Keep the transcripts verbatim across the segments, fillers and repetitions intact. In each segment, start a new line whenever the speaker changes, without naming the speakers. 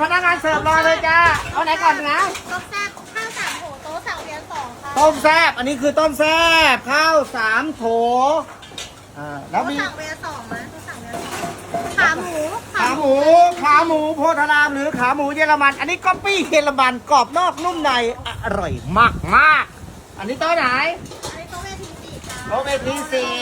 พนักงานเสิร์ฟรอเลยจ้าเอาไหนก่อนนะ
ต้มแซ่บข้าวสามโถโต๊ะสั่งเรียนสองค่ะ
ต้มแซ่บอันนี้คือต้มแซ่บข้าวสามโถอ่าแล้ว
โต๊ะ
มี
สั่งเรียนสองนะโต๊ะสั่งเรียนสองขาหมู
ขาหมูขาหมูโพธารามหรือขาหมูเยอรมัน อันนี้ก๊อปปี้เยอรมันกรอบนอกนุ่มในอร่อยมากมากๆอันนี้โต๊ะไหน
อันนี้โต๊ะเวทีสี่ค่ะ
โต๊ะเวทีสี่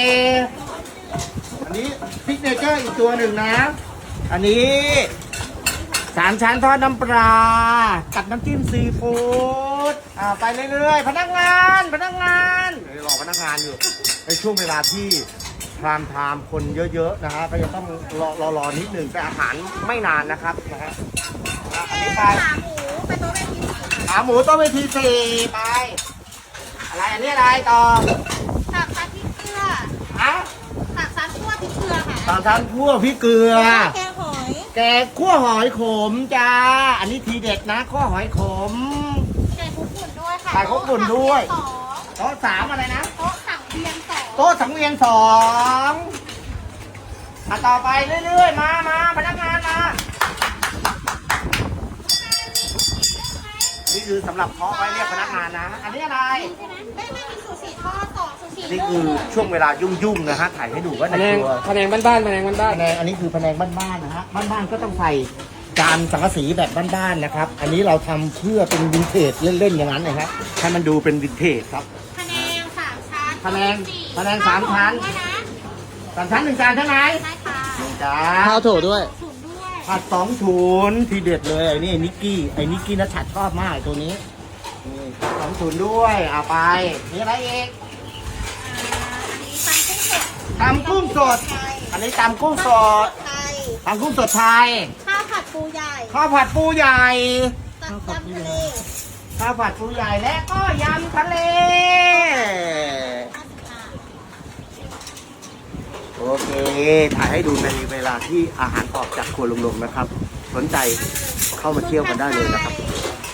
อันนี้ซิกเนเจอร์อีกตัวหนึ่งนะ อันนี้สามชั้นทอดน้ำปลากับน้ำจิ้มซีฟู้ดอ่าไปเรื่อยๆพนักงานพนักงานเดี๋ยวรอพนักงานอยู่ในช่วงเวลาที่พรามไทม์คนเยอะๆนะฮะก็จะต้องรอรอรอนิดหนึ่งแต่อาหารไม่นานนะครับนะฮะอ่ะอันนี้ไป
ขาหมูเป็นโต๊ะเวทีสี่ค่ะ
ขาหมูต้มเวทีสี่ไปอะไรอันนี้อะไรต่อ
สับซัดพริกเกลือ
ฮะ
สับซัดคั่วพริกเกลือค่ะ
สามชั้นคั่วพริกเกลือ
แกงหอย
แกงคั่วหอยขมจ้า อันนี้ทีเด็ดนะคั่วหอยขม
ไก่คุกฝุ่นด้วยค่ะ
ไก่คลุกฝุ่นด้วย
โต๊ะสั่งเรีนสอง
โต๊ะสามอะไรนะ
โต๊ะสั่งเรียนสอง
โต๊ะสังเวียนสองอ่ะต่อไปเรื่อยๆ มามาพนักงานมา นี่คือสำหรับเพาะไว้เรียกพนักงานนะ อันนี้อะไร
ใช่ไหมไม่ไม่มีซูชิทอดสองซูชิ
อันนี้คือช่วงเวลายุ่งๆนะฮะ ถ่ายให้ดูว่า
แผ
ใน
นง
ตัว
แผนงบ้านๆแผนงบ้าน
แผนงอันนี้คือแผนงบ้านๆนะฮะ บ้านๆก็ต้องใส่จานสังกะสีแบบบ้านๆนะครับ อันนี้เราทำเพื่อเป็นวินเทจเล่นๆอย่างนั้นนะครับให้มันดูเป็นวินเทจครับ
พะแนงสามชั้น
พะแนง
สี่
พะแนงสามชั้น
ด้วยนะ
สามชั้นหนึ่งจานใช่ไหม
ใช่ค่ะ
หนึ่งจา
ๆข้าวน โถด้วย
ศูนย์ด้วย
ผัดสองศูนย์ทีเด็ดเลยไอ้นี่นิกกี้ไอ้นิกกี้นัชชัดชอบมากไอ้ตัวนี้นี่ผัดสองศูนย์ด้วยเอาไปมีอะไรอีก
อ่าอันนี้ตำกุ้งสด
ตำกุ้งสด
ไทย
อันนี้ตำกุ้งสด
ไทย
ตำกุ้งสดไทย
ข้าวผัดปูใหญ่
ข้าวผัดปูใหญ่
ตับยำทะเล
ข้าวผัดปูใหญ่และก็ยำทะเลโอเคถ่ายให้ดูในเวลาที่อาหารออกจากครัวลุงๆนะครับ สนใจเข้ามาเที่ยวกันได้เลยนะครับ